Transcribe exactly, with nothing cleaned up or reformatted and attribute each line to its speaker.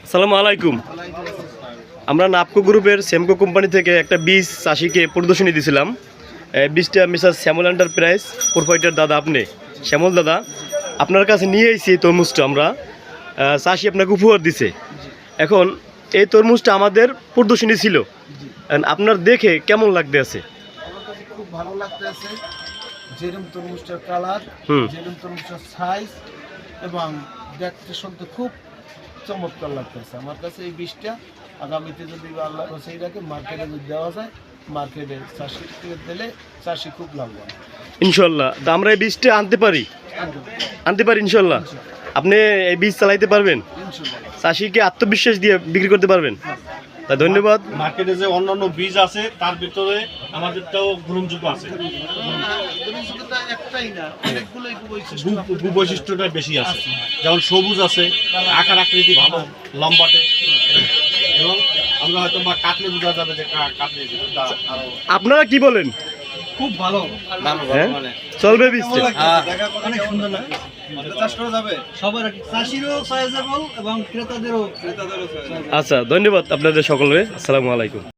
Speaker 1: আসসালামু আলাইকুম। আমরা নাপকো গ্রুপের সেমকো কোম্পানি থেকে একটা বীজ চাষিকে প্রদর্শনী দিয়েছিলাম। বীজটা মিসার শ্যামল এন্টারপ্রাইজ প্রোপাইটার দাদা, আপনি শ্যামল দাদা, আপনার কাছে নিয়ে এসেছি এই তরমুজটা। আমরা চাষি আপনাকে উপহার দিছে। এখন এই তরমুজটা আমাদের প্রদর্শনী ছিল, আপনার দেখে কেমন লাগতে আছে?
Speaker 2: আমার কাছে খুব ভালো লাগতে আছে। যেরকম তরমুজটার কালার, যেরকম তরমুজটার সাইজ এবং দেখতে শুনতে খুব চমৎকার লাগতেছে আমার কাছে। এই বীজটা আগামীতে যদি আল্লাহ সেই রাখে মার্কেটে যদি দেওয়া যায়, মার্কেটে চাষিকে দিলে চাষি খুব লাভবান
Speaker 1: ইনশাল্লাহ। তা আমরা এই বীজটা আনতে পারি আনতে পারি ইনশাল্লাহ। আপনি এই বীজ চালাইতে পারবেন, চাষিকে আত্মবিশ্বাস দিয়ে বিক্রি করতে পারবেন। তা ধন্যবাদ।
Speaker 3: মার্কেটে যে অন্যান্য বীজ আছে তার ভিতরে আমাদেরটাও গ্রহণযোগ্য আছে, বৈশিষ্ট্যটা বেশি আছে। যেমন সবুজ আছে, আকার আকৃতি ভালো, লম্বাটে, এবং আমরা হয়তো বা কাটলে বোঝা যাবে যে কাটলে।
Speaker 1: আপনারা কি বলেন?
Speaker 3: খুব ভালো,
Speaker 1: চলবে বীজটা?
Speaker 3: অনেক সুন্দর লাগে, চাষ করা যাবে সবার, চাষিরও সাইজেবল এবং ক্রেতাদেরও ক্রেতাদেরও।
Speaker 1: আচ্ছা, ধন্যবাদ আপনাদের সকলের। আসসালামু আলাইকুম।